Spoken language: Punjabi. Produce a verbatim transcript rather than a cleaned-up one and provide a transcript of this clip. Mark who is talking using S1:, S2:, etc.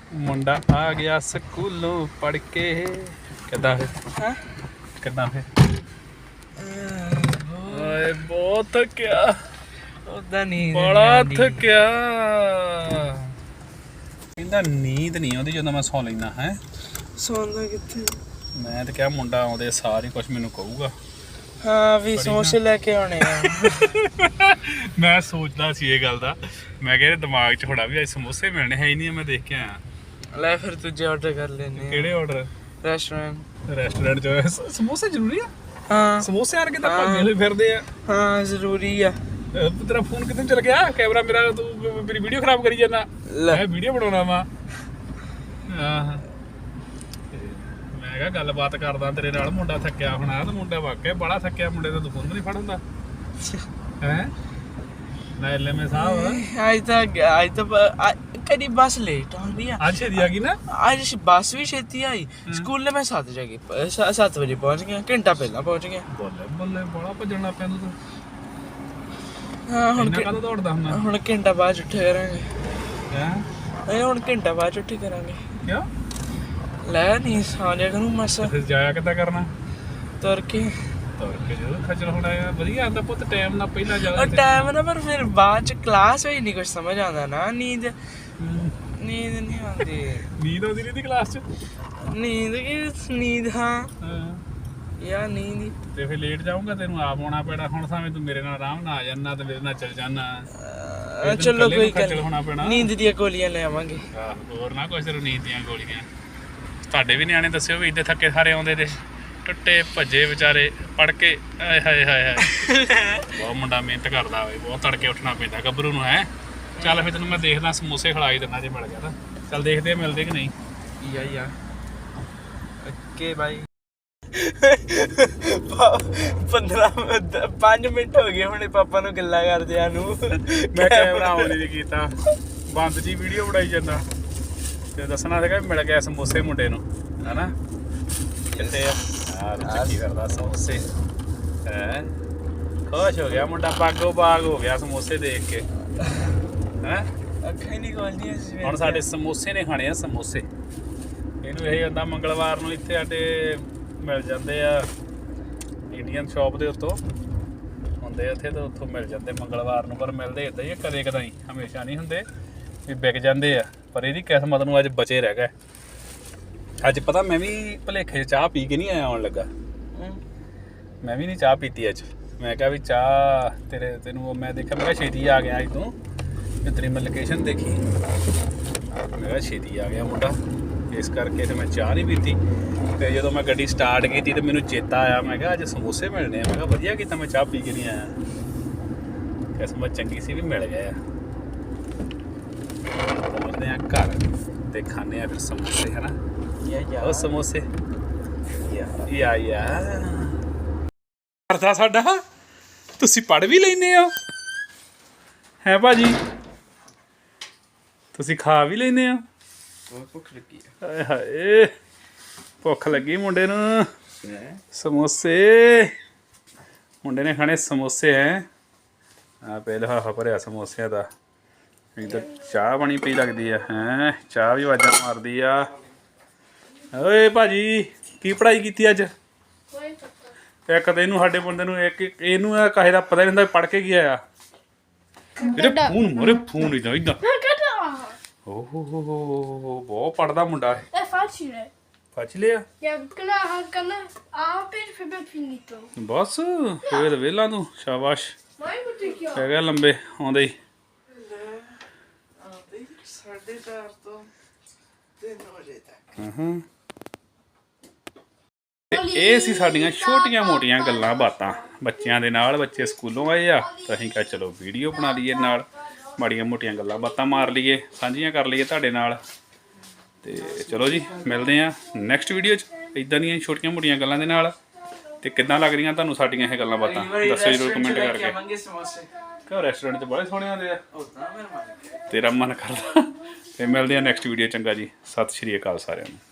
S1: ਮੁੰਡਾ ਆ ਗਿਆ ਸਕੂਲੋਂ ਪੜ ਕੇ। ਕਿੱਦਾਂ ਫਿਰ
S2: ਹਾਂ
S1: ਕਿੱਦਾਂ ਫਿਰ ਓਏ ਬਹੁਤ ਥੱਕਿਆ
S2: ਉਹਦਾ ਨੀਂਦ
S1: ਬੜਾ ਥੱਕਿਆ। ਕਹਿੰਦਾ ਨੀਂਦ ਨਹੀਂ ਆਉਂਦੀ ਜਦੋਂ ਮੈਂ ਸੌਂ ਲੈਂਦਾ ਹੈ।
S2: ਸੌਂਦਾ ਕਿੱਥੇ?
S1: ਮੈਂ ਤਾਂ ਕਿਹਾ ਮੁੰਡਾ ਆਉਂਦੇ ਸਾਰ ਹੀ ਕੁਛ ਮੈਨੂੰ ਕਹੂਗਾ।
S2: ਹਾਂ ਵੀ ਸਮੋਸੇ ਲੈ ਕੇ ਆਉਣੇ ਆ।
S1: ਮੈਂ ਸੋਚਦਾ ਸੀ ਇਹ ਗੱਲ ਦਾ। ਮੈਂ ਕਿਹਾ ਦਿਮਾਗ 'ਚ ਥੋੜਾ ਵੀ ਅੱਜ ਸਮੋਸੇ ਮਿਲਣੇ ਹੈ ਹੀ ਨਹੀਂ। ਮੈਂ ਦੇਖ ਕੇ ਆਇਆ।
S2: ਲੈ ਫਿਰ ਦੂਜੇ ਆਰਡਰ ਕਰ ਲੈਨੇ।
S1: ਕਿਹੜੇ ਆਰਡਰ?
S2: ਰੈਸਟੋਰੈਂਟ
S1: ਰੈਸਟੋਰੈਂਟ 'ਚ ਸਮੋਸੇ ਜ਼ਰੂਰੀ ਆ?
S2: ਹਾਂ
S1: ਸਮੋਸੇ ਆਣ ਕੇ ਤਾਂ ਭੱਜੇ ਹੋਏ ਫਿਰਦੇ ਆ।
S2: ਹਾਂ ਜ਼ਰੂਰੀ ਆ।
S1: ਤੇਰਾ ਫੋਨ ਕਿੱਥੇ ਚਲ ਗਿਆ? ਕੈਮਰਾ ਮੇਰਾ ਤੂੰ ਮੇਰੀ ਵੀਡੀਓ ਖਰਾਬ ਕਰੀ ਜਾਂਦਾ। ਮੈਂ ਵੀਡੀਓ ਬਣਾਉਣਾ ਵਾ। ਆਹ ਮੈਂ ਕਿਹਾ ਗੱਲਬਾਤ ਕਰਦਾ ਤੇਰੇ ਨਾਲ। ਮੁੰਡਾ ਥੱਕਿਆ ਹੋਣਾ ਤੇ ਮੁੰਡਾ ਵਾਕਿਆ ਬੜਾ ਥੱਕਿਆ। ਮੁੰਡੇ ਦਾ ਤੂੰ ਫੋਨ ਨਹੀਂ ਫੜ ਹੁੰਦਾ ਹੈ। ਲੈ ਲੈ ਮੈਂ ਸਾਹਿਬ
S2: ਅੱਜ ਤਾਂ ਅੱਜ ਤਾਂ ਕਦੀ ਬੱਸ ਲੇਟ ਆ ਰਹੀ ਆ।
S1: ਅੱਜ ਛੇਤੀ ਆ ਗਈ ਨਾ।
S2: ਅੱਜ ਬੱਸ ਵੀ ਛੇਤੀ ਆਈ। ਸਕੂਲ ਮੈਂ ਸੱਤ ਵਜੇ ਸੱਤ ਵਜੇ ਪਹੁੰਚ ਗਿਆ। ਘੰਟਾ ਪਹਿਲਾਂ ਪਹੁੰਚ ਗਿਆ।
S1: ਬੱਲੇ ਬੱਲੇ ਬੜਾ ਭੱਜਣ ਲੱਗ ਪਿਆ ਤੂੰ।
S2: ਹਾਂ ਹੁਣ
S1: ਕਦੋਂ ਦੌੜਦਾ ਹੁੰਦਾ?
S2: ਹੁਣ ਘੰਟਾ ਬਾਅਦ ਉੱਠੇ ਕਰਾਂਗੇ।
S1: ਹੈ
S2: ਇਹ ਹੁਣ ਘੰਟਾ ਬਾਅਦ ਉੱਠੇ ਕਰਾਂਗੇ।
S1: ਕਿਉਂ?
S2: ਲੈ ਨਹੀਂ ਸੌਂ ਜਾ ਕਰੂੰ ਮਸ।
S1: ਫਿਰ ਜਾਇਆ ਕਿੱਦਾਂ ਕਰਨਾ?
S2: ਤੁਰ ਕੇ।
S1: ਤੁਰ ਕੇ ਜਦੋਂ ਖੱਜਲ ਹੋਣਾ ਆ। ਵਧੀਆ ਆਂਦਾ ਪੁੱਤ ਟਾਈਮ ਨਾਲ ਪਹਿਲਾਂ ਜਾ।
S2: ਟਾਈਮ ਨਾ ਪਰ ਫਿਰ ਬਾਅਦ ਚ ਕਲਾਸ ਹੋਈ ਨਹੀਂ ਕੁਝ ਸਮਝ ਆਉਂਦਾ ਨਾ। ਨੀਂਦ ਨੀਂਦ ਨਹੀਂ ਆਉਂਦੀ।
S1: ਨੀਂਦ ਆਉਂਦੀ ਨਹੀਂ ਦੀ ਕਲਾਸ 'ਚ?
S2: ਨੀਂਦ ਕੀ ਨੀਂਦ? ਹਾਂ ਯਾਰ ਨੀਂਦ ਹੀ।
S1: ਤੇ ਫਿਰ ਲੇਟ ਜਾਊਂਗਾ ਤੈਨੂੰ ਆਪ ਆਉਣਾ ਪੈਣਾ। ਹੁਣ ਸਾਵੇਂ ਤੂੰ ਮੇਰੇ ਨਾਲ ਆਰਾਮ ਨਾਲ ਆ ਜਾਣਾ ਤੇ ਮੇਰੇ ਨਾਲ ਚੱਲ ਜਾਣਾ।
S2: ਚਲੋ ਕੋਈ
S1: ਖੱਜਲ ਹੋਣਾ ਪੈਣਾ।
S2: ਨੀਂਦ ਦੀਆਂ ਗੋਲੀਆਂ ਲੈ ਆਵਾਂਗੇ।
S1: ਆਹ ਹੋਰ ਨਾ ਕੁਛ ਤੈਨੂੰ ਨੀਂਦ ਦੀਆਂ ਗੋਲੀਆਂ। ਤੁਹਾਡੇ ਵੀ ਨਿਆਣੇ ਦੱਸਿਓ ਵੀ ਇੱਥੇ ਥੱਕੇ ਸਾਰੇ ਆਉਂਦੇ ਤੇ ਟੁੱਟੇ ਭੱਜੇ ਵਿਚਾਰੇ ਪੜ ਕੇ। ਆਏ ਹਾਏ ਹਾਏ ਹਾਏ ਬਹੁਤ ਮੁੰਡਾ ਮਿਹਨਤ ਕਰਦਾ ਹੋਵੇ। ਬਹੁਤ ਤੜਕੇ ਉੱਠਣਾ ਪੈਂਦਾ ਗੱਭਰੂ ਨੂੰ ਹੈ। ਚੱਲ ਫਿਰ ਤੈਨੂੰ ਮੈਂ ਦੇਖਦਾ ਸਮੋਸੇ ਖਿਲਾਈ ਦਿੰਦਾ ਜੇ ਮਿਲ ਗਿਆ ਤਾਂ। ਚੱਲ ਦੇਖਦੇ ਆ ਮਿਲਦੇ ਕਿ ਨਹੀਂ।
S2: ਯਾ ਯਾ ਓਕੇ ਬਾਈ। ਪੰਦਰਾਂ ਪੰਜ ਮਿੰਟ ਹੋ ਗਏ ਹੁਣੇ ਪਾਪਾ ਨੂੰ ਗੱਲਾਂ ਕਰਦਿਆਂ ਨੂੰ।
S1: ਮੈਂ ਕੈਮਰਾ ਆਨ ਨਹੀਂ ਕੀਤਾ। ਬੰਦ ਜੀ ਵੀਡੀਓ ਬਣਾਈ ਜਾਂਦਾ ਤੇ ਦੱਸਣਾ ਸੀਗਾ ਮਿਲ ਗਿਆ ਸਮੋਸੇ ਮੁੰਡੇ ਨੂੰ ਹਨਾ। ਕਿੱਥੇ ਆ? ਆਹ ਚੱਕੀ ਕਰਦਾ ਸਮੋਸੇ ਹੈ। ਖੁਸ਼ ਹੋ ਗਿਆ ਮੁੰਡਾ। ਬਾਗੋ ਬਾਗ ਹੋ ਗਿਆ ਸਮੋਸੇ ਦੇਖ ਕੇ ਹੈ।
S2: ਅੱਖਾਂ ਹੀ ਨਹੀਂ ਖੋਲਦੀਆਂ।
S1: ਹੁਣ ਸਾਡੇ ਸਮੋਸੇ ਨੇ ਖਾਣੇ ਆ ਸਮੋਸੇ। ਇਹਨੂੰ ਇਹ ਹੁੰਦਾ ਮੰਗਲਵਾਰ ਨੂੰ ਇੱਥੇ ਸਾਡੇ ਮਿਲ ਜਾਂਦੇ ਆ ਇੰਡੀਅਨ ਸ਼ਾਪ ਦੇ ਉੱਤੋਂ ਹੁੰਦੇ ਉੱਥੇ ਤੇ ਉੱਥੋਂ ਮਿਲ ਜਾਂਦੇ ਮੰਗਲਵਾਰ ਨੂੰ। ਪਰ ਮਿਲਦੇ ਇੱਦਾਂ ਹੀ ਕਦੇ ਕਦਾਈ, ਹਮੇਸ਼ਾ ਨਹੀਂ ਹੁੰਦੇ ਵੀ ਵਿਕ ਜਾਂਦੇ ਆ। ਪਰ ਇਹਦੀ ਕਿਸਮਤ ਨੂੰ ਅੱਜ ਬਚੇ ਰਹਿ ਗਏ। ਅੱਜ ਪਤਾ ਮੈਂ ਵੀ ਭੁਲੇਖੇ 'ਚ ਚਾਹ ਪੀ ਕੇ ਨਹੀਂ ਆਇਆ ਆਉਣ ਲੱਗਾ। ਮੈਂ ਵੀ ਨਹੀਂ ਚਾਹ ਪੀਤੀ ਅੱਜ। ਮੈਂ ਕਿਹਾ ਵੀ ਚਾਹ ਤੇਰੇ ਤੈਨੂੰ ਮੈਂ ਦੇਖਿਆ। ਮੈਂ ਕਿਹਾ ਛੇਤੀ ਆ ਗਿਆ ਅੱਜ ਤੂੰ। ਤੇ ਤੇਰੀ ਮੈਂ ਲੋਕੇਸ਼ਨ ਦੇਖੀ। ਮੈਂ ਕਿਹਾ ਛੇਤੀ ਆ ਗਿਆ ਮੁੰਡਾ। ਇਸ ਕਰਕੇ ਤੇ ਮੈਂ ਚਾਹ ਨਹੀਂ ਪੀਤੀ। ਤੇ ਜਦੋਂ ਮੈਂ ਗੱਡੀ ਸਟਾਰਟ ਕੀਤੀ ਤੇ ਮੈਨੂੰ ਚੇਤਾ ਆਇਆ। ਮੈਂ ਕਿਹਾ ਅੱਜ ਸਮੋਸੇ ਮਿਲਣੇ ਆ। ਮੈਂ ਕਿਹਾ ਵਧੀਆ ਕੀਤਾ ਮੈਂ ਚਾਹ ਪੀ ਕੇ ਨਹੀਂ ਆਇਆ। ਕਿਸਮਤ ਚੰਗੀ ਸੀ ਵੀ ਮਿਲ ਗਏ ਆ। ਪਹੁੰਚਦੇ ਆ ਘਰ ਤੇ ਖਾਂਦੇ ਆ ਫਿਰ ਸਮੋਸੇ ਹੈ ਨਾ। ਉਹ ਸਮੋਸੇ ਯਾ ਯਾ ਕਰਦਾ ਸਾਡਾ। ਤੁਸੀਂ ਪੜ੍ਹ ਵੀ ਲੈਂਦੇ ਹੋ ਹੈ ਭਾਜੀ? ਤੁਸੀਂ ਖਾ ਵੀ ਲੈਂਦੇ ਹੋ?
S2: ਭੁੱਖ ਲੱਗੀ
S1: ਹਾਏ ਹਾਏ ਭੁੱਖ ਲੱਗੀ ਮੁੰਡੇ ਨੂੰ। ਸਮੋਸੇ ਮੁੰਡੇ ਨੇ ਖਾਣੇ ਸਮੋਸੇ ਹੈ। ਆ ਪਹਿਲਾਂ ਹਾਹਾ ਭਰਿਆ ਸਮੋਸਿਆਂ ਦਾ। ਇੱਧਰ ਚਾਹ ਬਣੀ ਪਈ ਲੱਗਦੀ ਆ ਹੈ। ਚਾਹ ਵੀ ਆਵਾਜ਼ਾਂ ਮਾਰਦੀ ਆ। ਓਏ ਭਾਜੀ ਕੀ ਪੜ੍ਹਾਈ ਕੀਤੀ ਅੱਜ? ਇੱਕ ਤਾਂ ਇਹਨੂੰ ਸਾਡੇ ਬੰਦੇ ਨੂੰ ਇੱਕ ਇਹਨੂੰ ਕਾਹੇ ਦਾ ਪਤਾ ਨਹੀਂ ਹੁੰਦਾ ਪੜ੍ਹ ਕੇ ਕੀ ਆਇਆ। ਇਹਦੇ ਫੋਨ ਮੋਰੇ ਫੋਨ ਇਦਾਂ ਇਦਾਂ। ਓਹ ਹੋ ਹੋ ਹੋ ਬਹੁਤ ਪੜ੍ਹਦਾ ਮੁੰਡਾ ਹੈ।
S3: É facile.
S1: Facile?
S3: Ja, kan kan ਆਪੇ ਫਿਰ finito.
S1: ਬਸ ਫੇਰ ਵੇਲਾ ਤੂੰ ਸ਼ਾਬਾਸ਼।
S3: Ma io ti chiedo.
S1: ਹੈਗਾ ਲੰਬੇ ਆਉਂਦੇ ਹੀ।
S2: ਸਾਢੇ ਚਾਰ ਤੋਂ ਤਿੰਨ ਵਜੇ ਤੱਕ।
S1: ਹਾਂ ਤੇ ਇਹ ਸੀ ਸਾਡੀਆਂ ਛੋਟੀਆਂ ਮੋਟੀਆਂ ਗੱਲਾਂ ਬਾਤਾਂ ਬੱਚਿਆਂ ਦੇ ਨਾਲ। ਬੱਚੇ ਸਕੂਲੋਂ ਆਏ ਆ ਤਾਂ ਅਸੀਂ ਕਿਹਾ ਚਲੋ ਵੀਡੀਓ ਬਣਾ ਲਈਏ ਨਾਲ। ਮਾੜੀਆਂ ਮੋਟੀਆਂ ਗੱਲਾਂ ਬਾਤਾਂ ਮਾਰ ਲਈਏ, ਸਾਂਝੀਆਂ ਕਰ ਲਈਏ ਤੁਹਾਡੇ ਨਾਲ। ਤੇ ਚਲੋ ਜੀ ਮਿਲਦੇ ਆ ਨੈਕਸਟ ਵੀਡੀਓ 'ਚ ਇੱਦਾਂ ਦੀਆਂ ਛੋਟੀਆਂ ਮੋਟੀਆਂ ਗੱਲਾਂ ਦੇ ਨਾਲ। ਤੇ ਕਿੱਦਾਂ ਲੱਗ ਰਹੀਆਂ ਤੁਹਾਨੂੰ ਸਾਡੀਆਂ ਇਹ ਗੱਲਾਂ ਬਾਤਾਂ ਦੱਸੋ ਜ਼ਰੂਰ ਕਮੈਂਟ ਕਰਕੇ। ਕਿਉਂ ਰੈਸਟੋਰੈਂਟ 'ਚ ਬੜੇ ਸੋਹਣੇ ਆਉਂਦੇ ਆ। ਤੇਰਾ ਮਨ ਕਰਦਾ। ਤੇ ਮਿਲਦੇ ਆ ਨੈਕਸਟ ਵੀਡੀਓ। ਚੰਗਾ ਜੀ, ਸਤਿ ਸ਼੍ਰੀ ਅਕਾਲ ਸਾਰਿਆਂ ਨੂੰ।